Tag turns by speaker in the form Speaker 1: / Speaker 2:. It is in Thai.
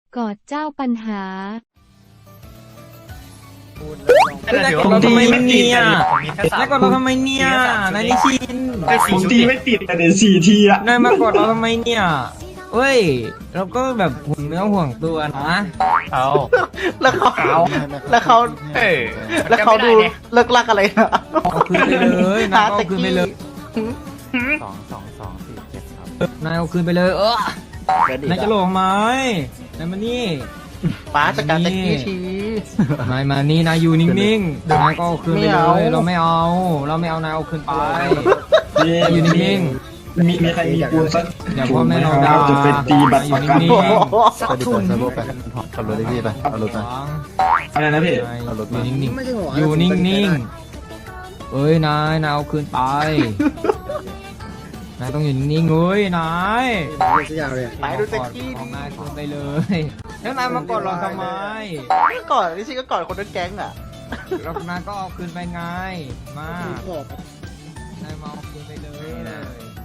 Speaker 1: กอดเจ้าปัญหา
Speaker 2: ผมทำไมไม่เนี่ย
Speaker 3: แล้วก็เราทำไมเนี่ยนายนิชิน
Speaker 2: ผมตีไม่ติดแต่เดี๋ยว4 ทีอะ
Speaker 3: นายมากดเราทำไมเนี่ยเฮ้ย เราก็แบบห่วงเนื้อห่วงตัวนะ
Speaker 4: เอา
Speaker 5: แล้วเขา
Speaker 4: เอา
Speaker 5: แล้วเขา
Speaker 4: เออ
Speaker 5: แล้วเขาดูเลิกลักอะไรนะ
Speaker 3: เอาคืนไปเลยนายก็เอาคืนไปเลย นายเอาคืนไปเลยนายจะหลงไหมนายมานี่
Speaker 5: ป้าจัดการตะกี้ที
Speaker 3: นายมานี่นายอยู่นิ่งๆ นายก็เอาคืนไป
Speaker 5: ไม่
Speaker 3: เล
Speaker 5: เอา
Speaker 3: ย เราไม่เอา นายเอาคืนไป
Speaker 2: นี่
Speaker 3: นายอยู่นิ่ง
Speaker 2: มีใครมีปูนสัก
Speaker 3: ๆ อย่าพ่อแม่เราด่า
Speaker 2: จะไปตีบัตรประกัน
Speaker 3: อยู่นิ่ง
Speaker 5: ไปดิบใส่โบไปขับรถได้พี่ไปเอารถ
Speaker 3: ๆ
Speaker 5: มา
Speaker 2: อะไรนะพี่
Speaker 3: นายอยู่นิ่งๆ อยู่นิ่งๆเอ้ยนายเอาคืนไป นายต้องอยู่นิ่งๆเอ้ยนาย
Speaker 5: ไปดูตะกี้
Speaker 3: ของ
Speaker 5: ดิ
Speaker 3: นายคืนไปเลย แล้วนายมากดเราทำไม
Speaker 5: ก่อนนี่ชิก็ก่อนคนนั้นแก๊งอ่ะ
Speaker 3: แล้วนายก็เอาคืนไปไง มานายมาเอาคืนไปเลย